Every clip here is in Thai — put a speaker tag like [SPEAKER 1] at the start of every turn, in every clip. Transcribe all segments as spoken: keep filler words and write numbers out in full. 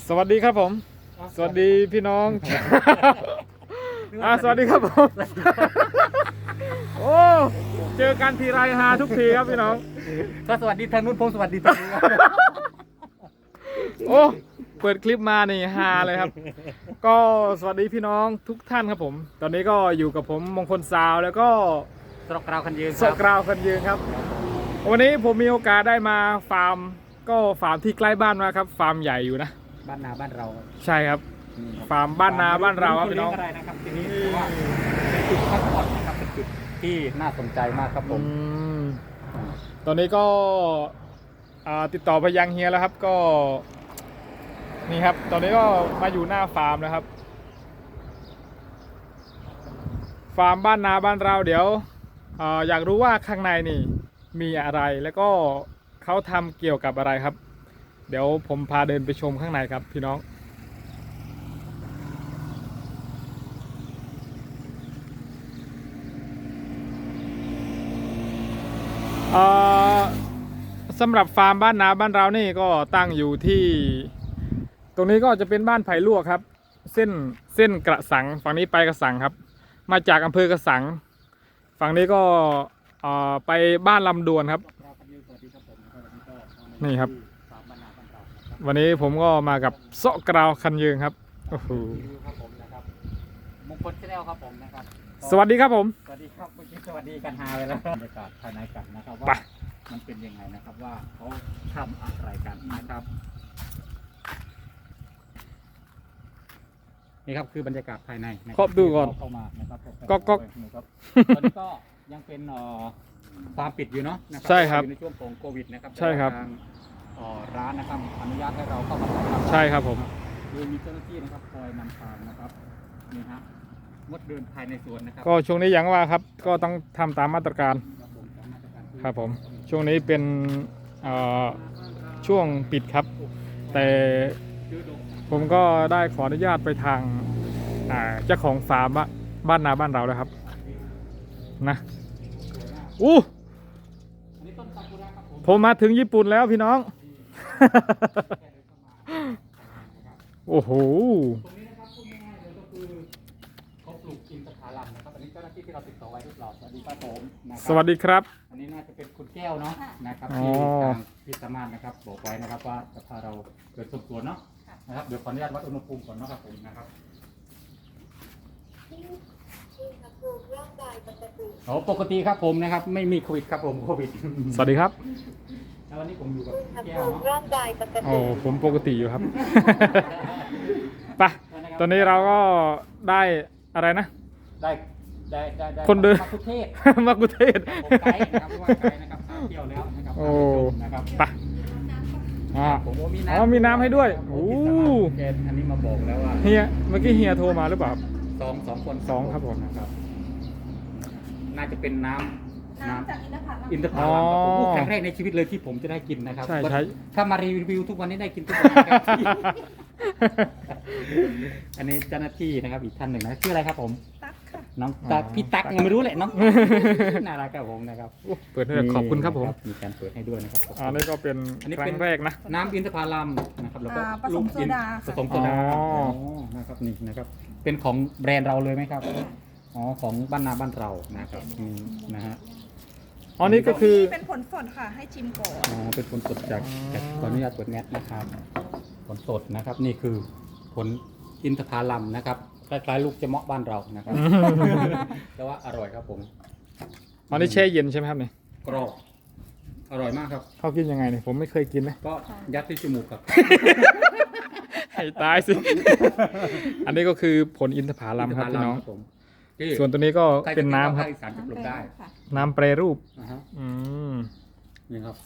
[SPEAKER 1] สวัสดีครับผมสวัสดีพี่น้องอ่าสวัสดีครับผมโอ้เจอกันทีไรฮาทุกทีครับพี่น้อง
[SPEAKER 2] ก็สวัสดีทางนู้นผมสวัสดีทางนี้
[SPEAKER 1] โอ้เปิดคลิปมานี่ฮาเลยครับก็สวัสดีพี่น้องทุกท่านครับผมตอนนี้ก็อยู่กับผมมงคลซาวแล้วก็
[SPEAKER 2] สกราวคันยืน
[SPEAKER 1] สกราวคันยืนครับวันนี้ผมมีโอกาสได้มาฟาร์มก็ฟาร์มที่ใกล้บ้านมาครับฟาร์มใหญ่อยู่นะ
[SPEAKER 2] บ้านนาบ้านเรา
[SPEAKER 1] ใช่ครับฟาร์มบ้านนาบ้านเราครับพี่น้อง
[SPEAKER 2] อะไรนะครับทีนี้ว่าเป็นจุดพักผ่อนนะครับเป็นจุดที่น่าสนใจมากครับผม
[SPEAKER 1] ตอนนี้ก็ติดต่อไปยังเฮียแล้วครับก็นี่ครับตอนนี้ก็มาอยู่หน้าฟาร์มแล้วครับฟาร์มบ้านนาบ้านเราเดี๋ยวอยากรู้ว่าข้างในนี่มีอะไรแล้วก็เขาทำเกี่ยวกับอะไรครับเดี๋ยวผมพาเดินไปชมข้างในครับพี่น้องสำหรับฟาร์มบ้านนาบ้านเรานี่ก็ตั้งอยู่ที่ตรงนี้ก็จะเป็นบ้านไผ่ลวกครับเส้นเส้นกระสังฝั่งนี้ไปกระสังครับมาจากอำเภอกระสังฝั่งนี้ก็ไปบ้านลำดวนครับนี่ครับวันนี้ผมก็มากับเซาะกราวคันยืงครับโอ้โห
[SPEAKER 2] มงคลชาแนลครับผมนะครับ
[SPEAKER 1] สวัสดีครับผม
[SPEAKER 2] สวัสดีครับเมื่อกี้สวัสดีกันฮาไปแล้วบรรยากาศภายในกันนะครับว่ามันเป็นยังไงนะครับว่าเขาทำอะไรกันนะครับนี่ครับคือบรรยากาศภายใน
[SPEAKER 1] ครอบดูก่อน
[SPEAKER 2] เข้ามานะครับ
[SPEAKER 1] ก็ก็
[SPEAKER 2] ตอนนี้ก็ยังเป็นฟาร์มปิดอยู่เนาะ
[SPEAKER 1] ใช่ครับ
[SPEAKER 2] ในช่วงของโควิดนะครับ
[SPEAKER 1] ใช่ครับ
[SPEAKER 2] ร้านนะครับอนุญาตให้เราเข้ามา
[SPEAKER 1] ใช่ครับผม
[SPEAKER 2] โดยมีเจ้าหน้าที่นะครับคอยนำทางนะครับนี่ฮะงดเดินภายในสวนนะครับ
[SPEAKER 1] ก็ช่วงนี้อย่างว่าครับก็ต้องทำตามมาตรการครับผมช่วงนี้เป็นช่วงปิดครับแต่ผมก็ได้ขออนุญาตไปทางเจ้าของฟาร์มบ้านนาบ้านเราแล้วครับนะอู้ผมมาถึงญี่ปุ่นแล้วพี่น้องโอ้โห
[SPEAKER 2] ตรงนี้นะครับพูดง่ายๆเลยก็คือเขาปลูกอินทผลัมนะครับอันนี้เจ้าหน้าที่ที่เราติดต่อไว้ทุกหลอดสวัสดีครับผม
[SPEAKER 1] สวัสดีครับ
[SPEAKER 2] อันนี้น่าจะเป็นคุณแก้วเนาะนะครับที่ทางพิสมานนะครับบอกไว้นะครับว่าจะพาเราเกิดสมส่วนเนาะนะครับเดี๋ยวขออนุญาตวัดอุณหภูมิก่อนนะครับผมนะครับโอ้ปกติครับผมนะครับไม่มีโควิดครับผมโควิด
[SPEAKER 1] สวัสดีครับ
[SPEAKER 2] แล้ววันนี้ผมอยู่กับแก้วเนาะ
[SPEAKER 1] โอ้ผมปกติอยู่ครับไปตอนนี้เราก็ได้อะไรนะ
[SPEAKER 2] ได้ได้ได้
[SPEAKER 1] คนเดิน
[SPEAKER 2] มาคุเทศ
[SPEAKER 1] มาคุเทศ
[SPEAKER 2] ผมไกด์นะครับว่าไกด์นะครับเที่ยวแล้วนะครับ
[SPEAKER 1] โอ้
[SPEAKER 2] นะครับ
[SPEAKER 1] ไปอ่าผมมีน้ำอ๋อมีน้ำให้ด้วยโอ้
[SPEAKER 2] อันนี้มาบอกแล้วว่า
[SPEAKER 1] เฮียเมื่อกี้เฮียโทรมาหรือเปล่า
[SPEAKER 2] สองสองคน
[SPEAKER 1] สองครับผม
[SPEAKER 2] นะครับน่าจะเป็นน้ำน้ำจากอินทผลัมครั้งแรกในชีวิตเลยที่ผมจะได้กินนะครับ
[SPEAKER 1] ใช่ใช่
[SPEAKER 2] ถ้ามารีวิวทุกวันนี้ได้กินทุกวันอันนี้เจ้าหน้าที่นะครับอีกท่านหนึ่งนะชื่ออะไรครับผม
[SPEAKER 3] ตั๊กค่ะ
[SPEAKER 2] น้องตั๊กพี่ตั๊กยังไม่รู้เลยน้องน่ารักครับผมนะครับ
[SPEAKER 1] เปิดให้ขอบคุณครับผม
[SPEAKER 2] มีการเปิดให้ด้วยนะครับ
[SPEAKER 1] อันนี้ก็เป็นครั้งแรกนะ
[SPEAKER 2] น้ำอินทผลัมนะครับแล้วก็
[SPEAKER 3] ผสมโซดา
[SPEAKER 2] ผสมโซดานะครับนี่นะครับเป็นของแบรนด์เราเลยไหมครับอ๋อของบ้านนาบ้านเรานะครับนะฮะ
[SPEAKER 1] อ๋อนี่ก็คือ
[SPEAKER 3] เป็นผลสดค่ะให้ชิมก่อน
[SPEAKER 2] อ๋อเป็นผลสดจากจากขออนุญาตเปิดแมสนะครับผลสดนะครับนี่คือผลอินทผลัมนะครับคล้ายๆลูกเจาะบ้านเรานะครับแต่ว่าอร่อยครับผม
[SPEAKER 1] อันนี้แช่เย็นใช่ไหมครับเนี่ย
[SPEAKER 2] กรอบอร่อยมากครับ
[SPEAKER 1] เขากินยังไงเนี่ยผมไม่เคยกินนะ
[SPEAKER 2] ก็ยัดที่จมูกครับ
[SPEAKER 1] ให้ตายสิอันนี้ก็คือผลอินทผลัมครับพี่น้องส่วนตัวนี้ก็เป็นน้ำครับน้ำแปรรูปอืม
[SPEAKER 2] นี่ครับ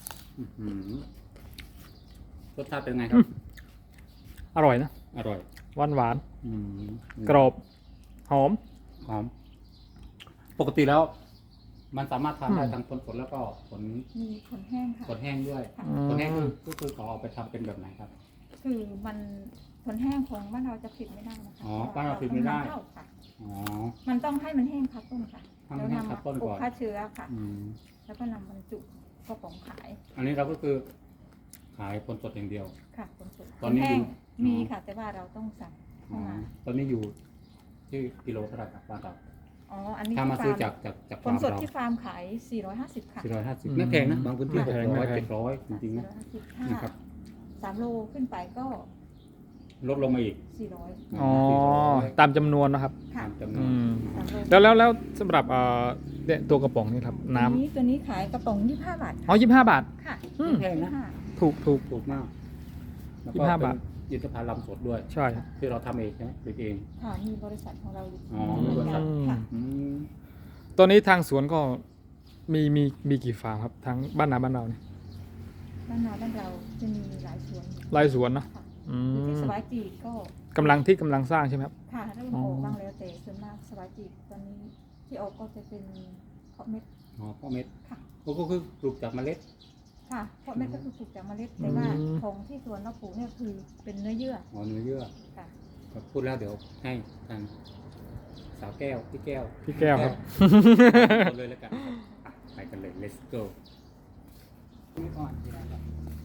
[SPEAKER 2] รสชาติเป็นไงครับ
[SPEAKER 1] อร่อยนะ
[SPEAKER 2] อร่อย
[SPEAKER 1] หวานหวานกรอบหอม
[SPEAKER 2] หอมปกติแล้วมันสามารถทานได้ทั้งผลสดแล้วก็ผล
[SPEAKER 3] มีผลแห้งค่ะ
[SPEAKER 2] ผลแห้งด้วยผลแห้งก็คือเขาเอาไปทำเป็นแบบไหนครับ
[SPEAKER 3] คือมันผลแห้งของบ้านเราจะผิดไม่ได้นะคะ
[SPEAKER 2] อ๋อบ้านเราผิดไม่ได้
[SPEAKER 3] อ๋อมันต้องให้มันแห้งคัดต้นค่ะ
[SPEAKER 2] แล้วนำมาปลูก
[SPEAKER 3] ฆ่าเชื้อค่ะแล้วก็นำบรรจุกระป๋องขาย
[SPEAKER 2] อันนี้เราก็คือขายผลสดอย่างเดียว
[SPEAKER 3] ค่ะผลสด
[SPEAKER 2] ตอนนี้อยู่
[SPEAKER 3] มีค่ะแต่ว่าเราต้องสั่ง
[SPEAKER 2] อ๋อ
[SPEAKER 3] เข้ามา
[SPEAKER 2] ตอนนี้อยู่ที่กิโลเท่าไหร่ครับบ้านเรา
[SPEAKER 3] อ๋ออันนี้
[SPEAKER 2] ถ้ามา
[SPEAKER 3] ที่
[SPEAKER 2] ซื้อ
[SPEAKER 3] ฟ
[SPEAKER 2] จากจากจาก
[SPEAKER 3] ผ
[SPEAKER 2] ฟา
[SPEAKER 3] ล
[SPEAKER 2] ร์ม
[SPEAKER 3] สด
[SPEAKER 2] เรา
[SPEAKER 3] ที่ฟาร์มขาย สี่ร้อยห้าสิบ ค่ะ
[SPEAKER 2] สี่ร้อยห้าสิบ
[SPEAKER 1] อืม
[SPEAKER 2] ไม่แพงนะบางพื้นที่
[SPEAKER 1] ไม่
[SPEAKER 2] หก
[SPEAKER 1] แพง
[SPEAKER 2] ร้อย
[SPEAKER 1] ไม่แพง
[SPEAKER 2] เจ็ดร้อยจริงๆนะ
[SPEAKER 3] สี่ร้อยห้าสิบ
[SPEAKER 2] นะครับ
[SPEAKER 3] สามโลขึ้นไปก็
[SPEAKER 2] ลดลงมาอีก
[SPEAKER 3] สี่ร้อย
[SPEAKER 1] อ๋อ
[SPEAKER 2] สี่ร้อย
[SPEAKER 1] ตามจำนวนนะครับ
[SPEAKER 3] ค่ะ
[SPEAKER 2] ตามจำนว
[SPEAKER 1] อื
[SPEAKER 2] น
[SPEAKER 1] ม
[SPEAKER 3] สามโล
[SPEAKER 1] แล้วแล้วแล้วสำหรับเอ่อเนี่ยตัวกระป๋องนี่ครับ น้ำ
[SPEAKER 3] ตัวนี้ตัวนี้ขายกระป๋องยี่สิบห้าบาท
[SPEAKER 1] อ๋อยี่สิบห้าบาท
[SPEAKER 3] ค่ะ
[SPEAKER 1] อืม
[SPEAKER 2] แพงนะ
[SPEAKER 3] ยี่สิบห้า
[SPEAKER 1] ถูกถูก
[SPEAKER 2] ถูกมากแล้ว
[SPEAKER 1] ยี่
[SPEAKER 2] ก็
[SPEAKER 1] สิบห้า
[SPEAKER 2] เป็น
[SPEAKER 1] บาท
[SPEAKER 2] อินทผลัมสดด้วย
[SPEAKER 1] ใช่
[SPEAKER 2] ที่เราทำเองใช่ไหมผลิตเอง
[SPEAKER 3] ค่ะมีบริษัทของเราอยู่
[SPEAKER 2] อ๋อมีบริษัท
[SPEAKER 3] ค่ะ
[SPEAKER 2] อืม
[SPEAKER 1] ตัวนี้ทางสวนก็มีมีมีกี่ฟาร์มครับทั้งบ้านนาบ้านเราเนี่ย
[SPEAKER 3] บ้านนาบ้านเราจะมีหลายสวน
[SPEAKER 1] รายสวนเนาะ
[SPEAKER 3] ค่ะ
[SPEAKER 1] อื
[SPEAKER 3] อยู่ที่
[SPEAKER 1] ม
[SPEAKER 3] สวายจีกก็
[SPEAKER 1] กำลังที่กำลังสร้างใช่ไหมครับ
[SPEAKER 3] ค่ะเริ่ม
[SPEAKER 1] อ๋อ
[SPEAKER 3] ออกบ้างแล้วแต่ส่วนมากสวายจีกตอนนี้ที่ออกก็จะเป็นเพาะเม็ด
[SPEAKER 2] อ๋อพ่อเม็ด
[SPEAKER 3] ค่ะ
[SPEAKER 2] ก็คือปลูกจากเมล็ด
[SPEAKER 3] ค่ะเพาะเม็ดก็คือปลูกจากเมล็ดแต่ว่าของที่สวนเราปลูกเนี่ยคือเป็นเนื้อเยื่อ
[SPEAKER 2] อ๋อเนื้อเยื่อ
[SPEAKER 3] ค่ะ
[SPEAKER 2] ครับพูดแล้วเดี๋ยวให้ทางสาวแก้วพี่แก้ว
[SPEAKER 1] พี่แก้วครับ
[SPEAKER 2] เอาเลยแล้วกันครับอ่ะไปกันเลย let's go นี่ก่อนที่ไหนครับ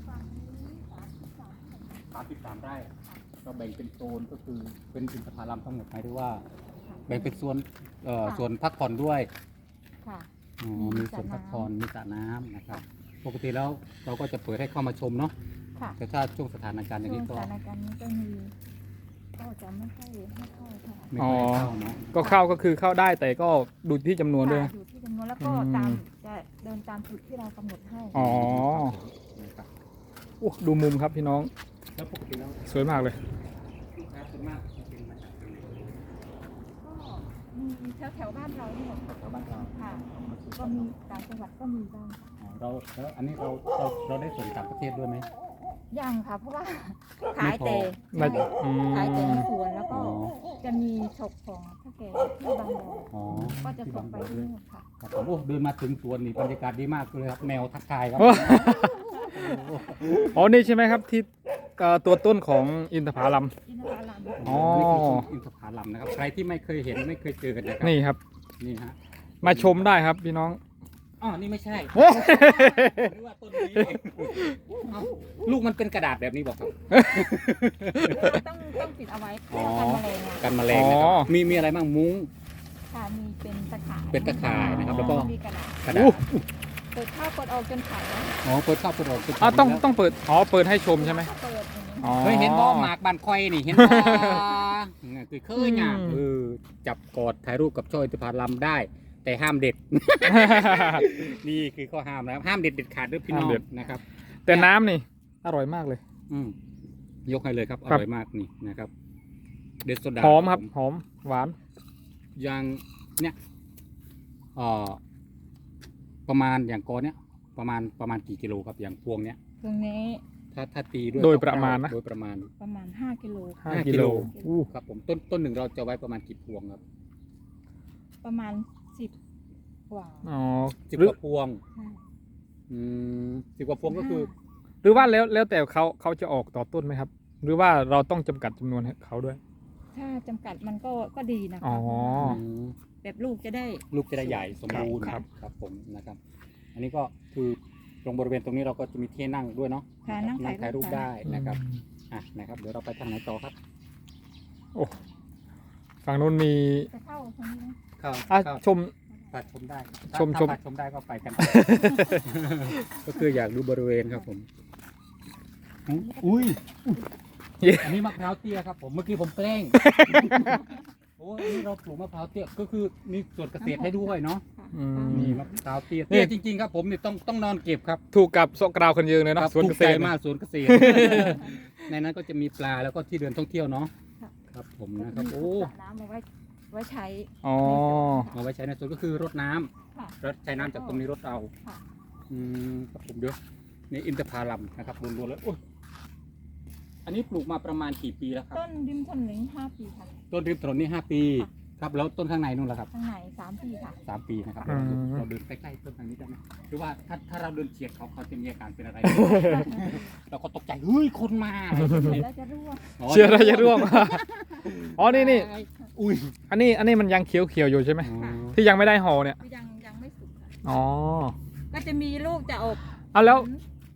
[SPEAKER 2] สามสิบสามไร่ก็แบ่งเป็นโซนก็คือเป็นอินทผลัมทั้งหมดหมายถึงว่า แบ่งเป็นส่วนเอ่อส่วนพักผ่อนด้วย
[SPEAKER 3] ค่ะ
[SPEAKER 2] อ๋อมีส่วนพักผ่อนมีสระน้ำนะครับ ปกติแล้วเราก็จะเปิดให้เข้ามาชมเนาะ
[SPEAKER 3] ค่ะ
[SPEAKER 2] แต่ถ้าช่วงสถานการณ์อย่าง
[SPEAKER 3] ช่ว
[SPEAKER 2] นี้
[SPEAKER 3] งส
[SPEAKER 2] ก็
[SPEAKER 3] ถานการณ์นี้ก็มีก็จะไม่ค่อยไม่ค่อยเท่าไหร่
[SPEAKER 2] ไม่ค่อยให้เข้าเนาะ
[SPEAKER 1] ก็เข้าก็คือเข้าได้แต่ก็ดูที่จำนวนด้วย
[SPEAKER 3] ค่ะ
[SPEAKER 1] นะ
[SPEAKER 3] อยู่ที่จำนวนแล้วก็
[SPEAKER 1] อืม
[SPEAKER 3] ตามจะเดินตามจุดที่เรากำหนดให้
[SPEAKER 1] อ๋อ
[SPEAKER 2] นะครับ
[SPEAKER 1] โอ้ดูมุมครับพี่น้อง
[SPEAKER 2] แล้วปกติแล้ว
[SPEAKER 1] สวยมากเลย
[SPEAKER 2] ลูกค้าส่วนมากจะเป็นมาจากที่ไหน
[SPEAKER 3] ก็มีแถวแถวๆบ้านเราเนี่ย
[SPEAKER 2] แถวบ้านเรา
[SPEAKER 3] ค่ะ ก็มีต่างจังหวัดก็มีบ้างค่ะ
[SPEAKER 2] อ๋อเราแล้วอันนี้เราเราเราได้ส่งต่างประเทศด้วยไหม
[SPEAKER 3] ยังค่ะ เพราะว่าขายแต่
[SPEAKER 1] ไม่
[SPEAKER 3] ใช่
[SPEAKER 1] อืม
[SPEAKER 3] ขายแต่ในสวนแล้วก็
[SPEAKER 2] อ๋อ
[SPEAKER 3] จะมีฉกของพ่อแก่ที่บางบ่อ
[SPEAKER 2] อ๋อ
[SPEAKER 3] ก็จะ
[SPEAKER 2] ที่
[SPEAKER 3] ส่
[SPEAKER 2] บาง ง
[SPEAKER 3] ไป
[SPEAKER 2] บ่อ
[SPEAKER 3] ที่
[SPEAKER 2] ด้วย
[SPEAKER 3] นู่นค่ะ
[SPEAKER 2] ครับผมโอ้เดินมาถึงสวนนี่บรรยากาศดีมากเลยครับแนวทักทายครับ
[SPEAKER 1] โอ้ อ๋อนี่ใช่ไหมครับที่เอ่อตัวต้นของอินทผลัม
[SPEAKER 3] อินทผลัม
[SPEAKER 1] อ๋อ
[SPEAKER 2] นี่คือต้นอินทผลัมนะครับใครที่ไม่เคยเห็นไม่เคยเจอกันนะครับ
[SPEAKER 1] นี่ครับ
[SPEAKER 2] นี่ฮะ
[SPEAKER 1] มาชมได้ครับพี่น้อง
[SPEAKER 2] อ๋อนี่ไม่ใช่หรือว่าต้นนี้เอ้าลูกมันเป็นกระดาษแบบนี้บอกครับ
[SPEAKER 3] ต้องต้องปิดเอาไว้เพื่
[SPEAKER 2] อ๋
[SPEAKER 3] อ
[SPEAKER 2] อ
[SPEAKER 3] กันแมลงอะ
[SPEAKER 2] กันแมลงนะครั
[SPEAKER 1] อ๋
[SPEAKER 2] บ
[SPEAKER 1] อ
[SPEAKER 2] มีมีอะไรบ้างมุ้ง
[SPEAKER 3] ค่ะมีเป็นตะข่าย
[SPEAKER 2] เป็นตะข่ายนะครับแล้วก็
[SPEAKER 3] มีกระดาษ
[SPEAKER 2] กระดา
[SPEAKER 1] อู้
[SPEAKER 2] ษ
[SPEAKER 3] เปิดเข้าวกดออกจนขายแล้ว
[SPEAKER 2] อ๋อเปิดเข้าเปิดออกเปิด
[SPEAKER 1] อ่ะต้อง
[SPEAKER 2] แล้ว
[SPEAKER 1] ต้องเปิดอ๋อเปิดให้ชมใช่ไหม
[SPEAKER 3] เปิดอย่างนี้
[SPEAKER 1] อ๋อ
[SPEAKER 2] เคยเห็นบ่หมากบานคอยนี่เห็นบ่คือเคยเนี่ย
[SPEAKER 1] อืม
[SPEAKER 2] เออจับกอดถ่ายรูปกับช่ออินทผลัมได้ แต่ห้ามเด็ด นี่คือข้อห้ามนะครับห้ามเด็ดเด็ดขาดด้วยพี่น้อง
[SPEAKER 1] ห้ามเด็ด
[SPEAKER 2] นะครับ
[SPEAKER 1] แต่น้ำนี่ อร่อยมากเลย
[SPEAKER 2] อืมยกให้เลยครับอ
[SPEAKER 1] ครับ
[SPEAKER 2] ร่อยมากนี่นะครับเด็ดโซดา
[SPEAKER 1] หอมครับ หอม หวาน
[SPEAKER 2] อย่างเนี่ยเอ่อประมาณอย่างกอเนี้ยประมาณประมาณกี่กิโลครับอย่างพวงเนี้ย
[SPEAKER 3] ตรงนี้
[SPEAKER 2] ถ้าถ้าตีด้วย
[SPEAKER 1] โดยประมาณนะ
[SPEAKER 2] โดยประมาณ
[SPEAKER 3] ประมาณห้ากิโล
[SPEAKER 1] ห้า
[SPEAKER 2] ห้ากิ
[SPEAKER 1] กิ
[SPEAKER 2] โล
[SPEAKER 1] โลอู้
[SPEAKER 2] ครับผมต้นต้นหนึ่งเราจะไว้ประมาณกี่พวงครับ
[SPEAKER 3] ประมาณสิบกว่า
[SPEAKER 1] อ๋อ
[SPEAKER 2] สิบ
[SPEAKER 1] หรื
[SPEAKER 2] ก
[SPEAKER 1] อ
[SPEAKER 2] ว่าพวง
[SPEAKER 3] ใช่
[SPEAKER 2] อืมสิบกว่าพวงก็คือ
[SPEAKER 1] หรือว่าแล้วแล้วแต่เขาเขาจะออกต่อต้นไหมครับ หรือว่าเราต้องจำกัดจำนวนให้เขาด้วย
[SPEAKER 3] ถ้าจำกัดมันก็ก็ดีนะ
[SPEAKER 1] อ๋
[SPEAKER 3] คะ
[SPEAKER 1] อ
[SPEAKER 2] ม
[SPEAKER 3] แบบลูกจะได้
[SPEAKER 2] ลูกจะได้ใหญ่สมบูรณ์
[SPEAKER 1] ครับ
[SPEAKER 2] ครับผมนะครับ อันนี้ก็คือตรงบริเวณตรงนี้เราก็จะมีที่นั่งด้วยเนาะ
[SPEAKER 3] ค่ะนั่ง
[SPEAKER 2] นั่งถ่ายรูปได้
[SPEAKER 1] อืม
[SPEAKER 2] นะครับอ่ะนะครับเดี๋ยวเราไปทางไหนต่อครับ
[SPEAKER 1] โอ้ฝั่งนู้นมี
[SPEAKER 3] จะเข้าตรงนี้นะ
[SPEAKER 2] เข้า
[SPEAKER 1] อ่ะ
[SPEAKER 2] เข้า
[SPEAKER 1] ชม
[SPEAKER 2] พาชมได้
[SPEAKER 1] ชม
[SPEAKER 2] ถ้า
[SPEAKER 1] ชม
[SPEAKER 2] พาชมได้ก็ไปกัน ก็คืออยากดูบริเวณครับผมอุ้ย
[SPEAKER 1] เย้
[SPEAKER 2] อันนี้มะพร้าวเตี้ยครับผมเมื่อกี้ผมแกล้ง โอ้ยอันนี้เราปลูกมะพร้าวเตี้ยก็คือมีส่วนเกษตรให้ด้วยเนาะ
[SPEAKER 3] ค่ะ
[SPEAKER 1] อืม
[SPEAKER 2] นี่มะพร้าวเตี้ย
[SPEAKER 1] นี่
[SPEAKER 2] เตี้ยจริงๆครับผมนี่ต้องต้องนอนเก็บครับ
[SPEAKER 1] ถูกกับโซกราวคนยืนเลยเน
[SPEAKER 2] ค
[SPEAKER 1] อะ
[SPEAKER 2] รับ
[SPEAKER 1] สวนเกษตร
[SPEAKER 2] ถูใจ
[SPEAKER 1] เนี่ย
[SPEAKER 2] มากสวนเกษตร ในนั้นก็จะมีปลาแล้วก็ที่เดินท่องเที่ยวเนาะ
[SPEAKER 3] ค่ะ
[SPEAKER 2] ครับผมนะครับโอ้
[SPEAKER 3] สระน้ำเอาไว้ไว้ใช้
[SPEAKER 1] อ๋อ
[SPEAKER 2] เอาไว้ใช้ในสวนก็คือรดน้ำ
[SPEAKER 3] ค่ะ
[SPEAKER 2] รดใช้น้ำจากตรงนี้รดเอา
[SPEAKER 3] ค่ะ
[SPEAKER 2] อืมครับผมเดี๋ยวนี่อินทผลัมนะครับรวมๆแล้วโอ้ยอันนี้ปลูกมาประมาณกี่ปีแล้วครับ
[SPEAKER 3] ต้นริมถนนห้าปีค่ะ
[SPEAKER 2] ต้นริมถนนนี่ห้าปี
[SPEAKER 3] ค่ะ
[SPEAKER 2] ครับแล้วต้นข้างในนู่นล่ะครับ
[SPEAKER 3] ข้างในสามปีค่ะ
[SPEAKER 2] สามปีนะครับ
[SPEAKER 1] อืม
[SPEAKER 2] เราเดินใกล้ๆต้นทางนี้ได้ไหมหรือว่าถ้าถ้าเราเดินเฉียดเขาเขาจะมีอาการเป็นอะไร เราก็ตกใจเฮ้ยคนมาอะไรแบบนี้
[SPEAKER 3] แล้วจะร่วง
[SPEAKER 2] อ๋อ
[SPEAKER 1] เชื่ออะไรจะร่วง อ๋อ นี่นี่
[SPEAKER 2] อุ้ย
[SPEAKER 1] อันนี้ อันนี้มันยังเขียวเขียวๆอยู่ใช่ไหม
[SPEAKER 2] อ๋อ
[SPEAKER 1] ที่ยังไม่ได้ห่อเนี่ย
[SPEAKER 3] ยังยังไม่สุกค่ะ
[SPEAKER 1] อ๋อ
[SPEAKER 3] ก็จะมีลูกจะออก
[SPEAKER 1] เอาแล้ว
[SPEAKER 3] จ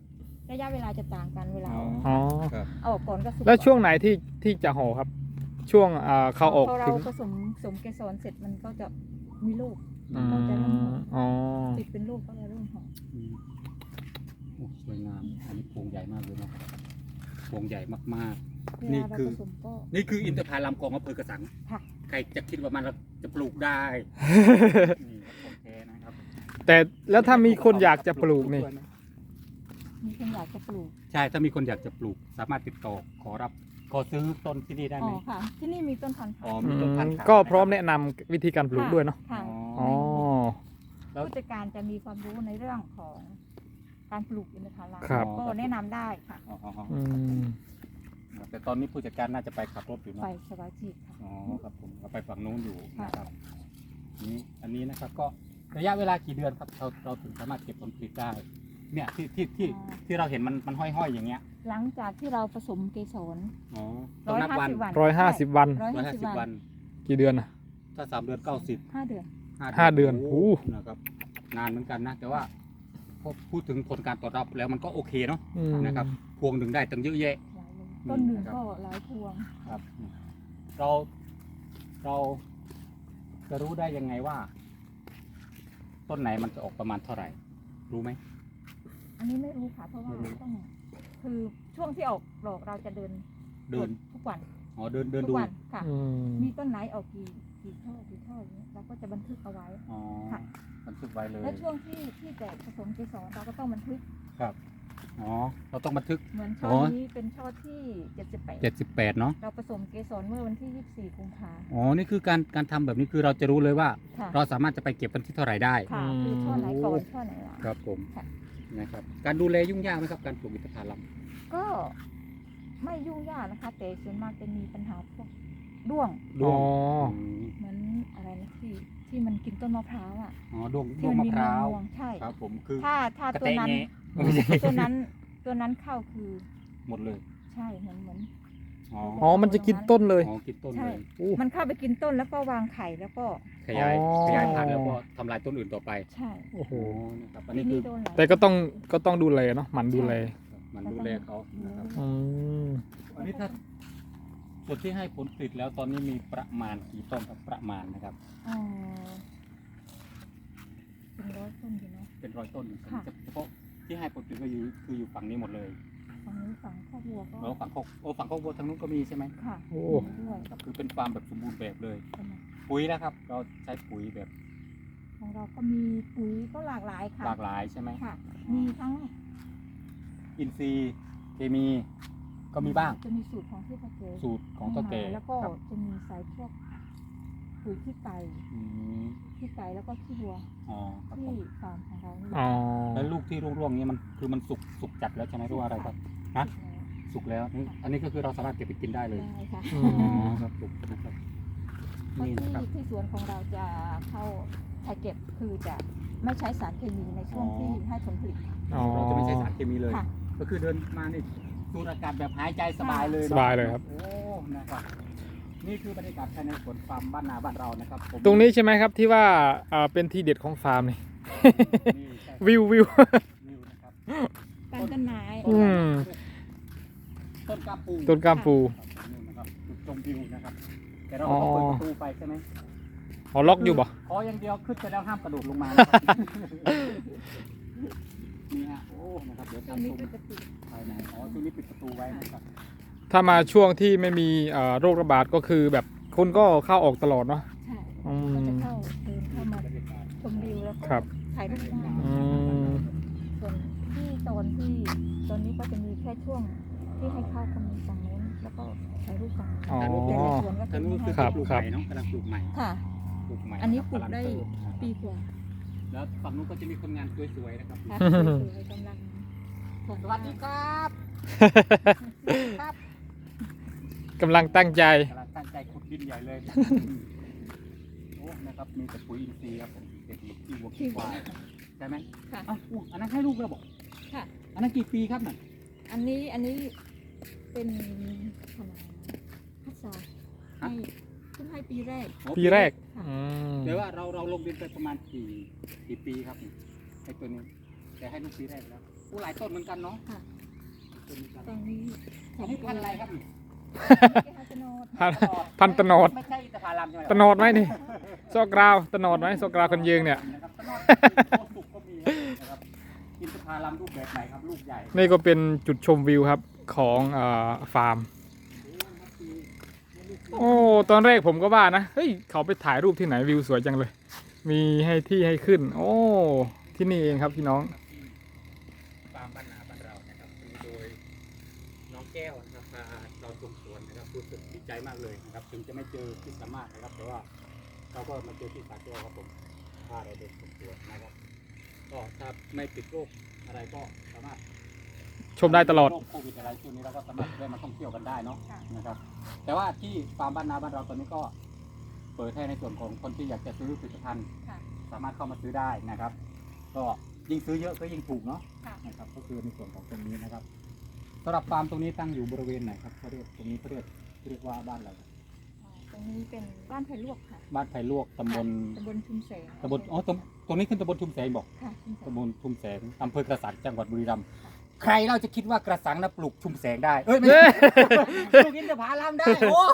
[SPEAKER 3] ระยะเวลาจะต่างกันเวลา
[SPEAKER 2] อ๋อ
[SPEAKER 1] อ๋อ
[SPEAKER 2] ครับ
[SPEAKER 3] เอาออกก่อนก็สุก
[SPEAKER 1] แล้วช่วง
[SPEAKER 3] ก่อน
[SPEAKER 1] ไหนที่ที่จะห่อครับ ช่วงอ่าเขาออก
[SPEAKER 3] พอเรา
[SPEAKER 1] ถึง
[SPEAKER 3] ผสมสมเกสรเสร็จมันก็จะมีลูก
[SPEAKER 1] อื
[SPEAKER 3] ก็จะเริ่มห่อ
[SPEAKER 1] มอ๋อ
[SPEAKER 3] ติดเป็นลูกก็จะเริ่มห่อ
[SPEAKER 2] อืมโอ้สวยงามอันนี้พวงใหญ่มากเลยเนาะพวงใหญ่มาก
[SPEAKER 3] เว
[SPEAKER 2] นี่
[SPEAKER 3] ลาเรา
[SPEAKER 2] คือ
[SPEAKER 3] ผสมก็
[SPEAKER 2] ๆ นี่คืออินทผลัมของอำเภอกระสัง
[SPEAKER 3] ค่ะ
[SPEAKER 2] ใครจะคิดว่ามันจะปลูกได้ นี่ครับของแท้นะครับ
[SPEAKER 1] แต่แล้วถ้ามีคนอยากจะปลูกนี่
[SPEAKER 3] มีคนอยากจะปลูก
[SPEAKER 2] ใช่ ถ้ามีคนอยากจะปลูก สามารถติดต่อขอรับขอซื้อต้นที่นี่ได้
[SPEAKER 3] อ๋
[SPEAKER 2] ไห
[SPEAKER 3] อ
[SPEAKER 2] ม
[SPEAKER 3] ค่ะ ที่นี่มีต้นพันธุ์
[SPEAKER 2] อ๋อ
[SPEAKER 3] ค่ะ
[SPEAKER 2] มีต้นพันธุ์ขาย
[SPEAKER 1] ก็พร้อมแนะนำวิธีการปลูกด้วยเนาะ
[SPEAKER 3] ค่ะ
[SPEAKER 1] อ๋อ
[SPEAKER 2] แล้ว
[SPEAKER 3] ผู้จัดการจะมีความรู้ในเรื่องของการปลูกอินทผลัม
[SPEAKER 1] ครับ
[SPEAKER 3] ก็แนะนำได้ค่ะ
[SPEAKER 2] อ๋ออ๋ออ๋อ
[SPEAKER 1] อืม
[SPEAKER 2] แต่ตอนนี้ผู้จัดการน่าจะไปขับรถอยู่เน
[SPEAKER 3] ไป
[SPEAKER 2] อะ
[SPEAKER 3] สบายจิตค่ะ
[SPEAKER 2] อ๋อครับผมเราไปฝั่งนู้นอยู่
[SPEAKER 3] ค่ะ
[SPEAKER 2] นะครับนี่อันนี้นะครับก็ระยะเวลากี่เดือนครับเราเราถึงสามารถเก็บผลผลิตได้ เนี่ยที่ที่ที่ที่เราเห็นมันมันห้อยๆอย่างเงี้ย
[SPEAKER 3] หลังจากที่เราผสมเกสร
[SPEAKER 2] อ๋อต้องนับวัน
[SPEAKER 3] วัน
[SPEAKER 1] ร้อยห้าสิบวัน
[SPEAKER 3] ร้อย
[SPEAKER 2] ร้อย
[SPEAKER 3] ห้า
[SPEAKER 2] ห้า
[SPEAKER 3] สิบ
[SPEAKER 2] สิบ
[SPEAKER 3] วั
[SPEAKER 2] วัน น
[SPEAKER 1] กี่เดือนนะ
[SPEAKER 2] ถ้าสามเดือนเก้าสิบ
[SPEAKER 3] ห้าเดือน
[SPEAKER 1] ห้าเดือน
[SPEAKER 2] โ
[SPEAKER 1] โอ้
[SPEAKER 2] นะครับนานเหมือนกันนะ แต่ว่าพอพูดถึงผลการตอบรับแล้วมันก็โอเคเนาะ
[SPEAKER 1] อืม
[SPEAKER 2] นะครับพวงหนึ่งได้ตั้งเยอะแยะ
[SPEAKER 3] หลายเลย
[SPEAKER 2] อืม
[SPEAKER 3] ต้นหนึ่ง
[SPEAKER 2] นะครับ
[SPEAKER 3] ก็หลายพวง
[SPEAKER 2] ครับ เราเราจะรู้ได้ยังไงว่า ต้นไหนมันจะออกประมาณเท่าไหร่ รู้ไหม
[SPEAKER 3] อันนี้ไม่รู้ค่ะ เพราะว่า
[SPEAKER 2] ไม่รู้
[SPEAKER 3] ต้องคือช่วงที่ออกดอกเราจะเดิน
[SPEAKER 2] เดิน
[SPEAKER 3] ทุกวัน
[SPEAKER 2] อ๋อเดินเดิน
[SPEAKER 3] ทุ
[SPEAKER 2] ดู
[SPEAKER 3] กวันค่ะ
[SPEAKER 1] อืม
[SPEAKER 3] มีต้นไหนออกกี่กี่ช่อกี่ช่ออย่างนี้เราก็จะบันทึกเอาไว้
[SPEAKER 2] อ๋อ
[SPEAKER 3] ค่ะ
[SPEAKER 2] บันทึกไว้เลย
[SPEAKER 3] และช่วงที่ที่แตกผสมเกสรเราก็ต้องบันทึก
[SPEAKER 2] ครับอ๋อเราต้องบันทึก
[SPEAKER 3] เหมือนช่อ
[SPEAKER 2] อ๋อ
[SPEAKER 3] นี้เป็นช่อที่เจ็ดสิบแปด
[SPEAKER 2] เจ็ดสิบแปดเนาะ
[SPEAKER 3] เราผสมเกสรเมื่อวันที่ยี่สิบสี่กุมภา
[SPEAKER 2] อ๋อนี่คือการการทำแบบนี้คือเราจะรู้เลยว่า
[SPEAKER 3] ค่ะ
[SPEAKER 2] เราสามารถจะไปเก็บวันที่เท่าไหร่ได้
[SPEAKER 3] ค่ะคือช่อไหนก่อนช่อไหนหลัง
[SPEAKER 2] ครับผม
[SPEAKER 3] ค่ะ
[SPEAKER 2] นะครับการดูแลยุ่งยากไหมครับการปลูกอินทผลัม
[SPEAKER 3] ก็ไม่ยุ่งยากนะคะ แต่ส่วนมากจะมีปัญหาพวกด้วง
[SPEAKER 2] ด้วง
[SPEAKER 1] อ๋อ
[SPEAKER 2] ม
[SPEAKER 3] เหมือนอะไรนะที่ที่มันกินต้นมะพร้าวอ่ะ
[SPEAKER 2] อ๋อด้วง
[SPEAKER 3] ที่
[SPEAKER 2] ด้วง
[SPEAKER 3] มัน
[SPEAKER 2] มะ
[SPEAKER 3] มี
[SPEAKER 2] พร้าว
[SPEAKER 3] งวงๆใช่
[SPEAKER 2] ครับผมคือ
[SPEAKER 3] ถ้าถ้าก
[SPEAKER 2] ระ
[SPEAKER 3] ตัว
[SPEAKER 2] เตะ
[SPEAKER 3] นั้น
[SPEAKER 2] แงะไม่ใช่
[SPEAKER 3] ตัวนั้นตัวนั้นเข้าคือ
[SPEAKER 2] หมดเลย
[SPEAKER 3] ใช่เหมือนเหมือน
[SPEAKER 2] อ๋อ
[SPEAKER 1] อ๋อ มันจะกินต้นเลย
[SPEAKER 2] อ๋อกินต้น
[SPEAKER 3] ใช่
[SPEAKER 2] เลย
[SPEAKER 1] อู้
[SPEAKER 3] มันเข้าไปกินต้นแล้วก็วางไข่แล้วก็
[SPEAKER 2] ขยาย
[SPEAKER 1] อ๋อ
[SPEAKER 2] ขยายพันธุ์แล้วก็ทำลายต้นอื่นต่อไป
[SPEAKER 3] ใช่
[SPEAKER 1] โอ้โห
[SPEAKER 2] โอ้นะครับอัน
[SPEAKER 3] ที
[SPEAKER 2] นี้คื
[SPEAKER 3] นี้
[SPEAKER 2] อ
[SPEAKER 3] โดนหลาย
[SPEAKER 1] แต่ก็ต้องก็ต้องดูแลเนาะหมันดูแล
[SPEAKER 2] มันดูแลเขานะครับ
[SPEAKER 1] อืม
[SPEAKER 2] อันนี้ถ้าส่วนที่ให้ผลผลิตแล้วตอนนี้มีประมาณกี่ต้นครับประมาณนะครับ
[SPEAKER 3] อ๋อเป็นร้อยต้นอยู่เนาะ
[SPEAKER 2] เป็นร้อยต้น
[SPEAKER 3] ค่ะ
[SPEAKER 2] เฉพาะที่ให้ผลผลิตก็อยู่คืออยู่ฝั่งนี้หมดเลย
[SPEAKER 3] ฝั่งนี้ฝั่งข้าวบัวก็
[SPEAKER 2] แล้วฝั่งโคกโอ้ฝั่งโคกวัวทางนู้นก็มีใช่ไหม
[SPEAKER 3] ค่ะ
[SPEAKER 1] โอ้
[SPEAKER 3] มีด้วย
[SPEAKER 2] ครับคือเป็นฟาร์มแบบสมบูรณ์แบบเลย
[SPEAKER 3] ใช่ไหม
[SPEAKER 2] ปุ๋ยนะครับ เราใช้ปุ๋ยแบบ
[SPEAKER 3] ของเราก็มีปุ๋ยก็หลากหลายค่ะ
[SPEAKER 2] หลากหลายใช่ไหม
[SPEAKER 3] ค่ะ มีทั้ง
[SPEAKER 2] อินทรีย์เคมีก็มีบ้าง
[SPEAKER 3] จะมีสูตรของที่พ่อเก๋
[SPEAKER 2] สูตรของเจ้าแก่
[SPEAKER 3] แล้วก็
[SPEAKER 2] ครับ
[SPEAKER 3] จะมีใส่พวกปุ๋ยขี้ไก่
[SPEAKER 2] อืม
[SPEAKER 3] ขี้ไก่แล้วก็ขี้วัว
[SPEAKER 2] อ๋อครับผ
[SPEAKER 3] ที่
[SPEAKER 2] ม
[SPEAKER 3] ฟาร์มของเรานี่
[SPEAKER 1] อ๋อ
[SPEAKER 2] แล้วลูกที่ร่วงๆนี้มันคือมันสุกสุกจัดแล้วใช่ไหมหรือว่าอะไรครับ ฮะ สุกแล้วนี่อันนี้ก็คือเราสามารถเก็บไปกินได้เลย
[SPEAKER 3] ได้ค่ะ
[SPEAKER 1] อื
[SPEAKER 2] อ๋อ
[SPEAKER 1] ม
[SPEAKER 2] ครับสุกนะครับ
[SPEAKER 3] เพราะ
[SPEAKER 2] นี่
[SPEAKER 3] ที่
[SPEAKER 2] นะครับ
[SPEAKER 3] ที่สวนของเราจะเข้าไทยเก็บคือจะไม่ใช้สารเคมีในช่วง
[SPEAKER 2] อ๋อ
[SPEAKER 3] ที่ให้ผลผลิตค่ะ
[SPEAKER 1] อ๋อ
[SPEAKER 2] เราจะไม่ใช้สารเคมีเลย
[SPEAKER 3] ค่ะ
[SPEAKER 2] ก็คือเดินมานี่สูดอากาศแบบหายใจสบายเลย
[SPEAKER 1] สบายเลยครับ
[SPEAKER 2] โอ้นะครับนี่คือบรรยากาศภายในสวนฟาร์มบ้านนาบ้านเรานะครับผม
[SPEAKER 1] ตรงนี้ใช่ไหมครับที่ว่าอ่าเป็นทีเด็ดของฟาร์มนี่
[SPEAKER 2] นี่ใช่
[SPEAKER 1] วิววิว
[SPEAKER 2] วิวนะครับ
[SPEAKER 3] การต้นไม้
[SPEAKER 1] อืม
[SPEAKER 2] ต้นกาปู
[SPEAKER 1] ต้นกล้ามปู
[SPEAKER 2] ครับนี่นะครับจุดชมวิวนะครับแต่เราก็ต้องเปิดประตูไปใช่ไหม
[SPEAKER 1] อ๋อล็อกอยู่บ่
[SPEAKER 2] ขออย่างเดียวขึ้นไปแล้วห้ามกระโดดลงมานะครับนี่ฮะโอ้นะครับเดี๋ยว
[SPEAKER 3] ช่ว
[SPEAKER 2] ทาง ง
[SPEAKER 3] นี้
[SPEAKER 2] ชม
[SPEAKER 3] ก็จะปิด
[SPEAKER 2] ภายในอ๋อช่วงนี้ปิดประตูไว้นะครับ
[SPEAKER 1] ถ้ามาช่วงที่ไม่มีเอ่อโรคระบาดก็คือแบบคนก็เข้าออกตลอดเนาะ
[SPEAKER 3] ใช่
[SPEAKER 1] อื
[SPEAKER 3] ก็
[SPEAKER 1] ม
[SPEAKER 3] จะเข้าเดินเข้ามา
[SPEAKER 2] บรรยากาศ
[SPEAKER 3] ชมวิวแล้วก็
[SPEAKER 1] ครับ
[SPEAKER 3] ถ่ายรูปได้
[SPEAKER 1] อืม
[SPEAKER 3] ส่วนที่โซนที่โซนนี้ก็จะมีแค่ช่วงที่ให้เข้าก็มีฝั่งนู้นแล้วก็ถ่ายรูปฝั่งนู้น
[SPEAKER 1] อ๋อ
[SPEAKER 3] แต่ในสวนก็
[SPEAKER 2] ทา
[SPEAKER 3] จะ
[SPEAKER 2] งนู้
[SPEAKER 3] ไม่
[SPEAKER 2] น
[SPEAKER 3] ให้
[SPEAKER 2] คือ
[SPEAKER 1] ครับ
[SPEAKER 2] ปลูก
[SPEAKER 1] ครั
[SPEAKER 2] ให
[SPEAKER 1] บ
[SPEAKER 2] ม่เนาะกำลังปลูกใหม่
[SPEAKER 3] ค่ะ
[SPEAKER 2] ปลูกใหม่
[SPEAKER 3] อันนี้
[SPEAKER 2] ะครับ
[SPEAKER 3] ปลูกได้
[SPEAKER 2] ำงเติบนะครับ
[SPEAKER 3] ปีกว่า
[SPEAKER 2] แล้วฝั่งนู้นก็จะมีคนงานสวยๆนะครับ
[SPEAKER 3] ค่ะสวยๆกำลัง
[SPEAKER 2] สวัสดีครับ
[SPEAKER 3] ครับ
[SPEAKER 1] กำลังตั้งใจ
[SPEAKER 2] กำลังตั้งใจขุดดินใหญ่เลยโอ้นะครับมีแต่ปุ๋ยอินทรีย์ครับผมเด็กๆที่วัวขี้ควายใช่ไหม
[SPEAKER 3] ค่ะ
[SPEAKER 2] อ้าวอู้อันนั้นให้ลูกแล้วบอก
[SPEAKER 3] ค่ะ
[SPEAKER 2] อันนั้นกี่ปีครับน่ะ
[SPEAKER 3] อันนี้อันนี้เป็นขนาดพัดซาให้เพิ่งให้ปีแรก
[SPEAKER 2] อ๋อ
[SPEAKER 1] ปีแรก
[SPEAKER 3] ค่ะ
[SPEAKER 1] อืม
[SPEAKER 2] แต่ว่าเราเราลงดินไปประมาณกี่กี่ปีครับไอ้ตัวนี้ แต่ให้ลูกปีแรกแล้วอู้หลายต้นเหมือนกันเนาะ
[SPEAKER 3] ค่ะ
[SPEAKER 2] ต้นเหมือนกัน
[SPEAKER 3] ตอนนี้
[SPEAKER 2] อันนี้พันธุ์อะไรครับนี่
[SPEAKER 3] แก้วจะโนด
[SPEAKER 1] พันพันตะโนด
[SPEAKER 2] ไม่ใช่อินทผลัมใช่ไหม
[SPEAKER 1] ตะโนดไหมนี่โซกราวตะโนดไหมโซกราวคนยืงเนี่ย
[SPEAKER 2] นะครับตะโนดโคสุกก็มีนะครับอินทผลัมรูปแบบไหนครับลูกใหญ่
[SPEAKER 1] นี่ก็เป็นจุดชมวิวครับของเอ่อฟาร์ม โอ้ ตอนแรกผมก็ว่านะ เฮ้ย เขาไปถ่ายรูปที่ไหนวิวสวยจังเลย มีให้ที่ให้ขึ้น โอ้ ที่นี่เองครับพี่น้อง
[SPEAKER 2] ฟาร์มบ้านนาบ้านเรานะครับมีโดยน้องแก้วนะครับพาเราชมสวนนะครับรู้สึกดีใจมากเลยนะครับถึงจะไม่เจอที่สามารถนะครับแต่ว่าเราก็มาเจอที่สาแก้วครับผมพาเราเดินชมสวนนะครับก็ถ้าไม่ติดโรคอะไรก็สามารถ
[SPEAKER 1] ชมได้ตลอด
[SPEAKER 2] โรคโควิดอะไรช่วงนี้เราก็สามารถได้มาท่องเที่ยวกันได้เนาะนะครับแต่ว่าที่ฟาร์มบ้านนาบ้านเราตอนนี้ก็เปิดให้ในส่วนของคนที่อยากจะซื้อผลิตภัณฑ์
[SPEAKER 3] ค่ะ
[SPEAKER 2] สามารถเข้ามาซื้อได้นะครับ ก็ยิ่งซื้อเยอะก็ยิ่งถูกเนาะ
[SPEAKER 3] ค่ะ
[SPEAKER 2] นะครับก็คือในส่วนของตรงนี้นะครับสำหรับฟาร์มตรงนี้ตั้งอยู่บริเวณไหนครับเขาเรียกตรงนี้เขาเรียกเรียกว่าบ้านอะไรครับ
[SPEAKER 3] อ่าตรงนี้เป็นบ้านไผ่ลวกค่ะ
[SPEAKER 2] บ้านไผ่ลวกตำบล
[SPEAKER 3] ตำบลชุมแสง
[SPEAKER 2] ตำบลอ๋อตรงตรงนี้ขึ้นตำบลชุมแสงบอก
[SPEAKER 3] ค่ะชุมแสง
[SPEAKER 2] ตำบลชุมแสงอำเภอกระสังจังหวัดบุรีรัมย์ใครเราจะคิดว่ากระสังนะปลูกชุมแสงได้เอ้ยไม่ใช่ ปลูกอินทผลัมได้โอ้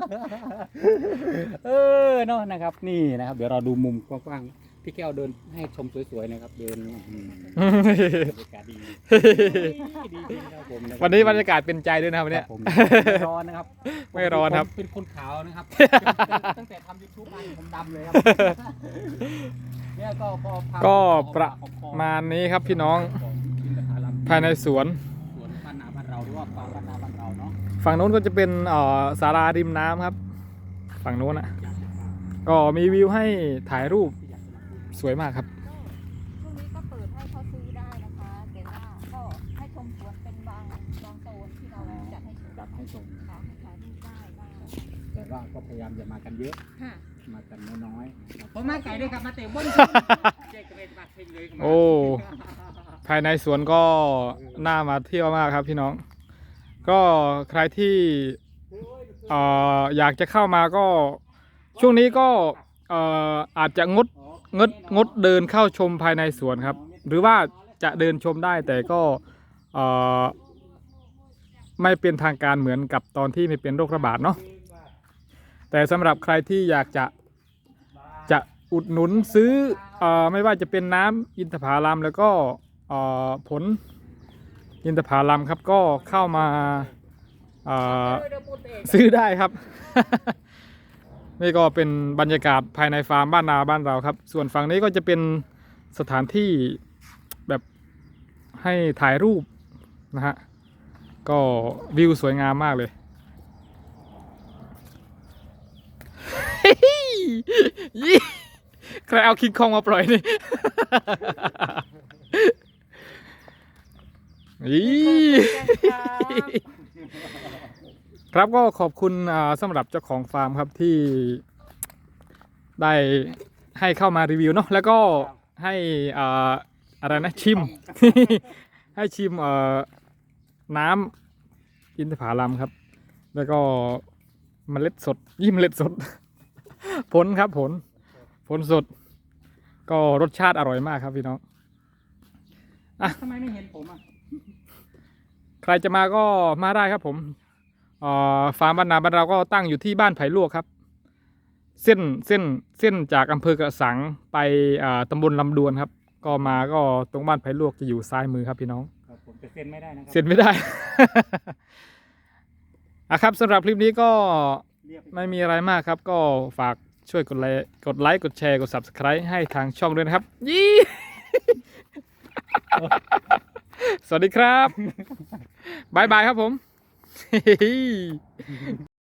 [SPEAKER 2] เออเนาะนะครับนี่นะครับ เดี๋ยวเราดูมุมกว้างๆพี่แก้วเดินให้ชมสวยๆนะครับเดินอืมบรรยากาศดีดีดีครับผมะครับ
[SPEAKER 1] วันนี้บรรยากาศเป็นใจด้วยนะครับวัน
[SPEAKER 2] ค
[SPEAKER 1] เนี้
[SPEAKER 2] รั
[SPEAKER 1] ย
[SPEAKER 2] บผมไม่ร้อนนะครับ
[SPEAKER 1] ไม่ร้อนครับ
[SPEAKER 2] ผมเป็นคนขาวนะครับ ตั้งแต่ทำยูทูบมาผมดำเลยครับเนี่ยก็พอพา
[SPEAKER 1] ก็
[SPEAKER 2] พอ
[SPEAKER 1] ประ
[SPEAKER 2] พอพอ
[SPEAKER 1] มาณนี้ครับพี่น้อง
[SPEAKER 2] ของอินทผลัม
[SPEAKER 1] ภายในสวน
[SPEAKER 2] สวนบ้านนาบ้านเราหรือว่าฟาร์มบ้านนาบ้านเราเนาะ
[SPEAKER 1] ฝั่งโน้นก็จะเป็นเอ่อศาลาริมน้ำครับ ฝั่งโน้นอ่ะ ก็มีวิวให้ถ่ายรูปสวยมากครับ
[SPEAKER 3] ช่วงนี้ก็เปิดให้เขาซื้อได้นะคะ แต่ว่าก็ให้ชมสวนเป็นบางบางโซนที่เราจัดให้ชม
[SPEAKER 2] จัดให้ชม
[SPEAKER 3] ค่ะให้ถ่ายรูปได้บ้าง
[SPEAKER 2] แต่ว่าก็พยายามจะมากันเยอะ
[SPEAKER 3] ค่ะ
[SPEAKER 2] มากันน้อยๆผมมาไก่ด้วยครับมาเตะบอลเจ๊กระเบนมาเพ่งเลย
[SPEAKER 1] โอ้ ภายในสวนก็น่ามาเที่ยวมากครับพี่น้อง ก็ใครที่เอ่ออยากจะเข้ามาก็ช่วงนี้ก็เอ่ออาจจะงดงดงดเดินเข้าชมภายในสวนครับ หรือว่าจะเดินชมได้แต่ก็เอ่อไม่เป็นทางการเหมือนกับตอนที่ไม่เป็นโรคระบาดเนาะแต่สำหรับใครที่อยากจะจะอุดหนุนซื้อเอ่อไม่ว่าจะเป็นน้ำอินทผลัมแล้วก็เอ่อผลอินทผลัมครับก็เข้ามาเอ่อซื้อได้ครับ นี่ก็เป็นบรรยากาศภายในฟาร์มบ้านนาบ้านเราครับ ส่วนฝั่งนี้ก็จะเป็นสถานที่แบบให้ถ่ายรูปนะฮะก็วิวสวยงามมากเลย ยี่ใครเอาคิงคองมาปล่อยนี่ อีครับก็ขอบคุณอ่าสำหรับเจ้าของฟาร์มครับที่ได้ให้เข้ามารีวิวเนาะแล้วก็ให้อ่าอะไรนะชิม ให้ชิมเอ่อน้ำอินทผลัมครับ แล้วก็เมล็ดสดยิ่มเมล็ดสด ผลครับผลผลสด ก็รสชาติอร่อยมากครับพี่น้อง
[SPEAKER 2] ทำไมไม่เห็นผมอ่ะ
[SPEAKER 1] ใครจะมาก็มาได้ครับผมเอ่อฟาร์มบ้านนาบ้านเราก็ตั้งอยู่ที่บ้านไผ่ลวกครับ เส้นเส้นเส้นจากอำเภอกระสังไปอ่าตำบลลำดวนครับ ก็มาก็ตรงบ้านไผ่ลวกจะอยู่ซ้ายมือครับพี่น้อง
[SPEAKER 2] ครับผมจะเซ็นไม่ได้นะครั
[SPEAKER 1] เซ็นไม่ได้ อ่ะครับสำหรับคลิปนี้ก็
[SPEAKER 2] เรียบ
[SPEAKER 1] ไม่มีอะไรมากครับ ก็ฝากช่วยกดไลค์กดไลค์กดแชร์กด ซับสไครบ์ ให้ทางช่องด้วยนะครับ ยี่ สวัสดีครับ บ๊ายบายครับผม